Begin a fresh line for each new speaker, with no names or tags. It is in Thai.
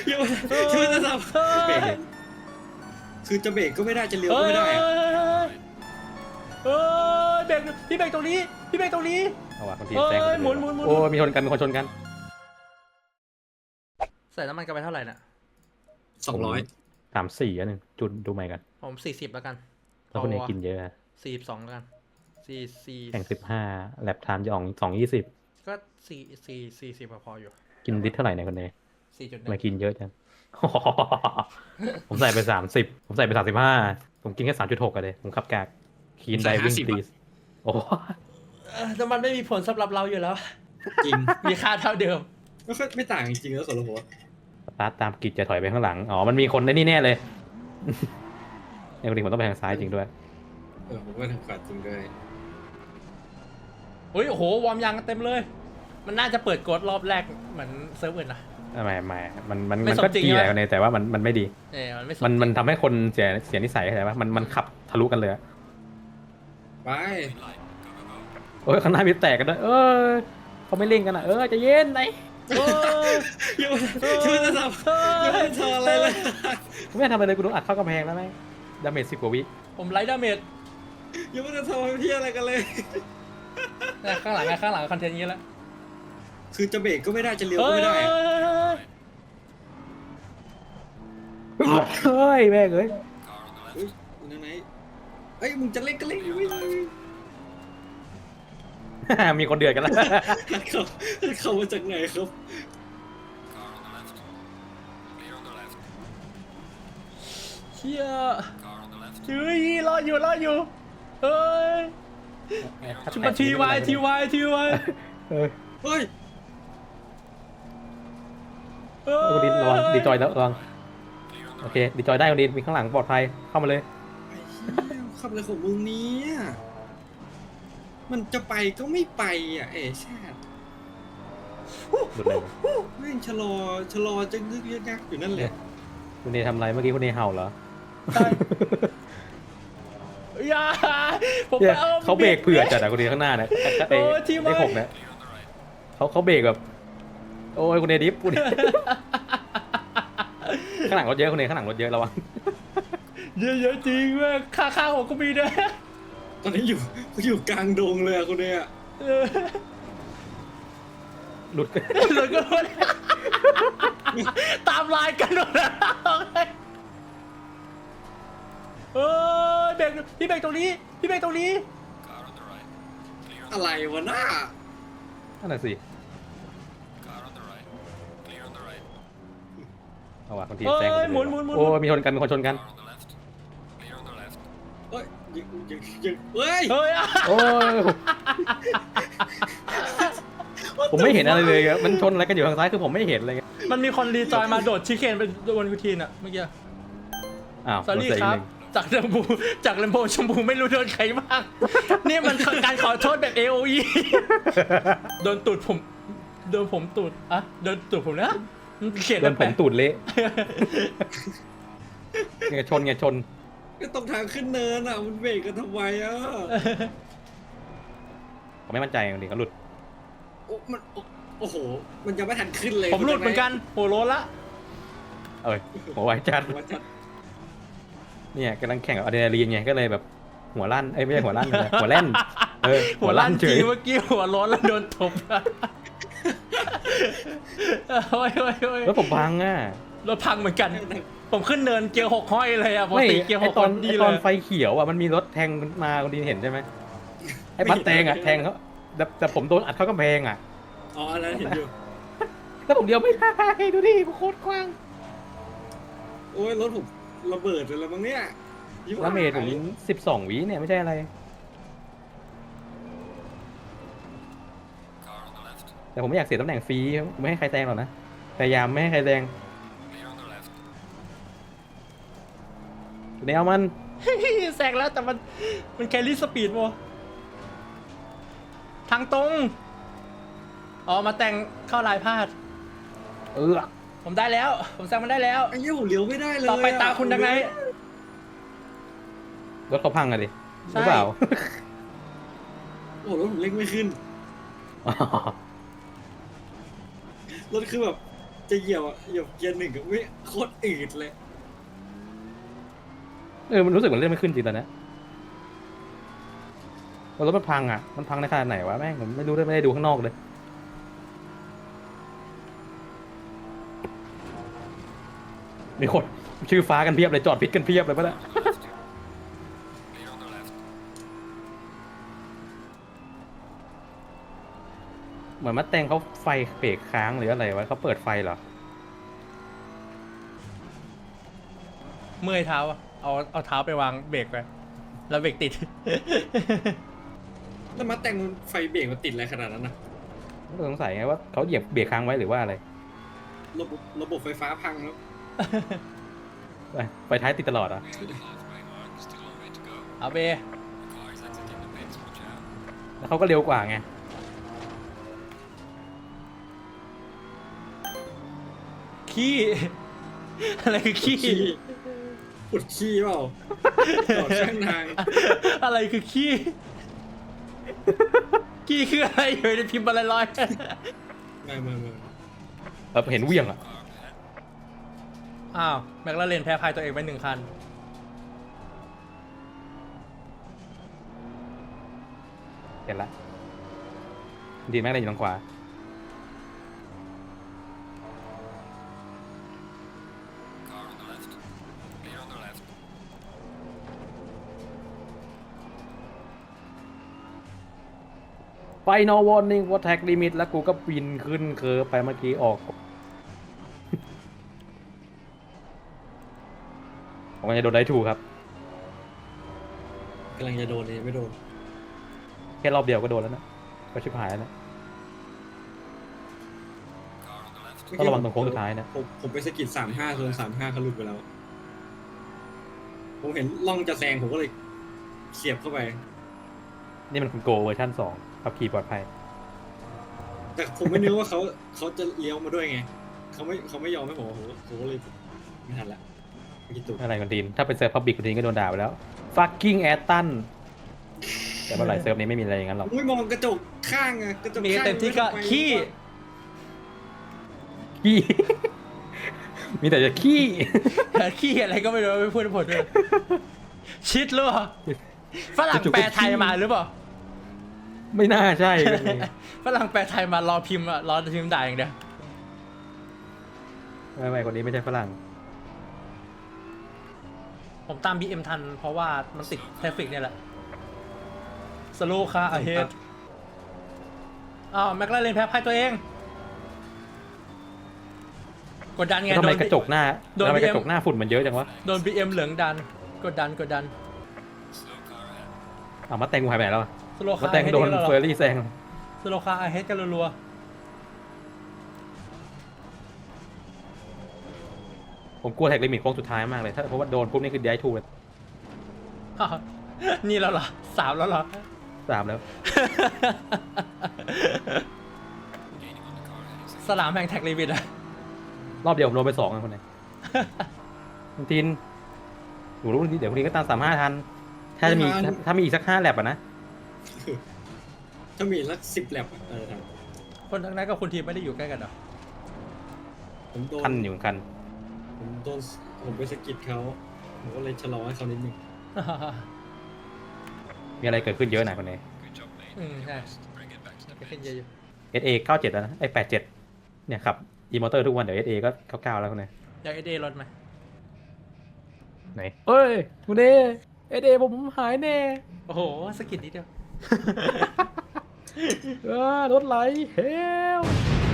ยังไม่ได้ทำเบรกคือจะเบรกก็ไม่ได้จะเลี้ยวก็ไม่ได้
เบรกพี่เบรกตรงนี้พี่เบรกตรงนี้
เอาว่ะคนทีแซง
หมุน
โอ้มีชนกันมีคนชนกัน
ใส่น้ำมันกันไปเท่าไหร่น่ะ
200
34อันนึงจุดดูใหม่กัน
ผม40แล้วกัน
แล้วคนนี้กินเยอะ
42แล้วกัน44
แข่ง15แลบไทม์จะออก2:20
ก็40พออยู่
กินลิตรเท่าไหร่เนี่ยคนนี้มา
4.1
กินเยอะจัง ผมใส่ไป30ผมใส่ไป35ผมกินแค่3.6กันเลยผมขับกากคีนไดวิ่งตีโอ้
แต่มันไม่มีผลสำหรับเราอยู่แล้ว
จริง
มีค่าเท่าเดิม
ก็ไม่ต่างจริงๆแล้วสำหรับผม
สตาร์ทตามกิจจะถอยไปข้างหลังอ๋อมันมีคนในนี่แน่เลยในคนนี้ผมต้องไปทางซ้ายจริงด้วย
ผมก็ทางขวาจริงด้วย
โอ้โหวอร์มยางกันเต็มเลยมันน่าจะเปิดกดรอบแรกเหมือนเซิร์ฟอื่นนะ
ไม่มันก็ดีแหละคนนี้แต่ว่ามันไม่ดีมันทำให้คนเสียนิสัยอะไรวะมันขับทะลุกันเลย
ไป
โอ้ยข้างหน้ามีแตกกันด้วยเขาไม่เล่นกันอ่ะจะเย็นไหน
ยังไม่ได้ทำยังไม่ได้ทำอะไรเลย
กูไม่ทำอะไรเลยกูโดนอัดเข้ากำแพงแล้วไหมดาเมจ10 กว่าวิ
ผมไลท์ดาเมจ
ยังไม่ได้ทำเพี้ยอะไรกันเลย
ข้างหลังคอนเทนต์นี้แล้ว
คือจะเบรกก็ไม่ได้จะเลี้ยวก็ไม่ได้
เฮ้ยแม่งเอ้ย
นั่นไหนมึงจะเล่นก็เล่นอยู่
มีคนเดือดกันแล้ว
เขามาจากไหนครับ
เชี่ยเฮ้ยรออยู่เฮ้ยทีวาย
เฮ้ย
คนดินระวังดีจอยแล้วระวังโอเคดีจอยได้คนดินมีข้างหลังปลอดภัยเข้ามาเลย
ขับอะไรของมึงนี้มันจะไปก็ไม่ไปชาติแม่งชะลอจะงึกยักอยู่นั่นแหละ
คุณเนทำไรเมื่อกี้คุณเนเห่าเหรอเขาเบรกเผื่อจัดอะคุณเนข้างหน้าเนี่ยไอ้6เนี่ยเขาเบรกแบบโอ้ยคุณเนดิฟคุณข้างหลังรถเยอะคุณเนข้างหลังรถเยอะระวัง
เยอะจริงเว้ยข้างผมก็มีด้วย
ตอนนี้อยู่กลางดงเลยคุณเน
หลุด
ก็ตามลายกันหมดแล้วเบรกพี่เบรกตรงนี้
อะไรวะหน้า
นั่นแหละสิเอาว่ะคนทีแซง
หมุน
โอ้มีคนชนกัน
เฮ้ย
โอ้ยผมไม่เห็นอะไรเลยครับมันชนอะไรกันอยู่ทางซ้ายคือผมไม่เห็นเลย
มันมีคนรีจอยมาโดดชิคเคนเป็นบนวิธีน่ะเมื่อกี้สอรี่ครับจากเลมโบชมพูไม่รู้โดนใครบ้างนี่มันการขอโทษแบบ AOE โดนตูดผมโดนตูดนะเขียน
โดนผมตูดเละไงชน
ก็ตรงทางขึ้นเนินมันเบรกกันทำไม
ผมไม่มั่นใจจริงๆก็หลุด
โอ้โหมันยังไม่ทันขึ้นเลย
ผมหลุดเหมือนกันโหโลละ
หัวไวจัดเนี่ยกำลังแข่งกับอะดรีนาลีนไงก็เลยแบบหัวลั่นไม่ใช่หัวลั่นหัวแล่น
หัวลั่นเฉยเมื่อกี้หัวร้อนแล้วโดนตบ
แล้วผมพัง
รถพังเหมือนกันผมขึ้นเนินเกียร์6ห้อยเลยปกติเกียร์6
ตอนไฟเขียวมันมีรถแทงมาคนดีเห็นใช่ไหมไอ้บัสแทงแทงเขาแต่ผมโดนอัดเข้ากำแพง
อ๋ออันนั้นเห็นอยู่
แล้วผมเดียวไม่ได้ดูดิโคตรกว้าง
โอ้ยรถผมระเบิดเลยแล้วมั้งเนี่ย
แล้วเมทผม12 วิเนี่ยไม่ใช่อะไรแต่ผมไม่อยากเสียตำแหน่งฟรีไม่ให้ใครแซงหรอกนะพยายามไม่ให้ใครแซงแนวมัน
แซงแล้วแต่มันแครี่สปีดวะทางตรงมาแต่งเข้าลายพลาดผมได้แล้วผมแซงมันได้แล้ว
ไอ้ผมเลี้ยวไม่ได้เลย
ต่อไปตาคุณดังไง
รถเขาพังดิหรือเปล่า
โอ้รถผมเร่งไม่ขึ้นรถคือแบบจะเหยียบเกียร์หนึ่งก็ไม่โคตรอืดเลย
มันรู้สึกเหมือนเลื่อนไม่ขึ้นจริงตอนนี้รถมันพังอ่ะมันพังในขนาดไหนวะแม่งผมไม่รู้ด้วยไม่ได้ดูข้างนอกเลยมีคนชื่อฟ้ากันเพียบเลยจอดพิษกันเพียบเลยปะเนี่ยเหมือนมัดแตงเขาไฟเบรกค้างหรืออะไรวะเขาเปิดไฟเหรอ
เมื่อยเท้าอะเอาเท้าไปวางเบรกไปแล้วเบรกติด
แล้วมาแต่งไฟเบรกมันติดอะไรขนาดนั้นนะ
สงสัยไงว่าเขาเหยียบเบรกค้างไว้หรือว่าอะไร
ระบบไฟฟ้าพังแล้ว
ไฟท้ายติดตลอดอ่ะ
เอาเบ
แล้วเขาก็เร็วกว่าไง
ขี้ อะไรคือขี้
ขุดขี้เปล่าต่อช่างทาง
อะไรคือขี้ ขี้คืออะไรอยู่ในพิมพ์อะไรลอย
ไม่
เห็นเหวี่ยงอ่ะ
อ้าวแม็กลาเรนแพ้พายตัวเองไป1 คัน
เห็นละดีแม็กเลยอยู่ทางขวาไฟนอลวอร์นิ่งวอร์แท็กลิมิตแล้วกูก็บินขึ้นเคอไปเมื่อกี้ออก ผมก็จะโดนได้ถูกครับ
กำลังจะโดนเลยไม่โดน
แค่รอบเดียวก็โดนแล้วนะก็ชิบหายแล้วนะต้องระวังตรงโค้งสุดท้ายนะ
ผมไปสะกิด35โซน35เขาหลุดไปแล้ว ผมเห็นล่องจะแซงผมก็เลยเสียบเข้าไป
นี่มันคุณโกเวอร์ชัน2ขับขี่ปลอดภัย
แต่ผมไม่นึกว่าเขาจะเลี้ยวมาด้วยไงเขาไม่ยอมให้ผมก็เลยไม่ทันละไม่คิดถูก
อะไรกันดีนถ้าเป็นเซิร์ฟพับบิกคุณดีนก็โดนด่าไปแล้ว fucking แอตตันแต่เมื่อไหร่เซิร์ฟนี้ไม่มีอะไรอย่างนั้นหรอก
ไม่มองกระจกข้างอะกระจก
มี
ข้าง
เต็มที่ก็ขี้
ขี้ มีแต่จะขี้
ขี้อะไรก็ไม่รู้ไม่พูดผลด้วยชิดหรือเปล่าฝรั่งแปลไทยมาหรือเปล่า
ไม่น่าใช่
ฝรั่งแปลไทยมารอพิมพ์อะรอพิมพ์ด่าอย่างเดียว
ไม่คนนี้ไม่ใช่ฝรั่ง
ผมตาม BM ทันเพราะว่ามันติดแทฟฟิกเนี่ยแหละสโลคาอาเฮดอ้าวแม็กลาเรนแพ้พายตัวเอง กดดันไง
ทำไม
โดน
กระจกหน้า
โดน
ทำไม
BM
กระจกหน้าฝุ่นมันเยอะจังวะ
โดน BM เหลืองดัน กดดัน
เอามาแตงกูหายไปไหนแล้วอะ
สโล
มา
คา
แตงโดนเฟอร์รี่แซง
สโลคาอาเฮดกันรัว
ผมกลัวแท็กลิมิตโค้งสุดท้ายมากเลยถ้าเพราะว่าโดนปุ๊บนี่คือได้ทูเลย
ๆอ้าวนี่แล้วเหรอ3แล้วเหรอ
3แล้ว
สนามแห่งแท็กลิมิตอะ
รอบเดียวผมโดนไป2อ่ะคนไหน คุณทินหนูรู้เดี๋ยวคนนี้ก็ตาม35ทันถ้ามีอีกสัก5แลบอ่ะนะ
ถ้ามีสัก10 แลบอะครับ
คนทั้งนั้นกับคุณทีมไม่ได้อยู่ใกล้กันเหรอ
ผมโดน
คันอยู่คัน
ผมไปสะกิดเขาผมก็เลยชะลอให้เขานิดนึง
มีอะไรเกิดขึ้นเยอะหน่อยคนนี้
ใช่ขึ้นเยอะอยู่
SA 97แล้วนะไอ้87เนี่ยขับอีมอเตอร์ทุกวันเดี๋ยว SA ก็99แล้วคนนี้
อยากเอเดรถไหม
ไหนเอ้ยคุณเอผมหายแน่
โอ้โหสกิดนิดเดียว
รถไหลเฮล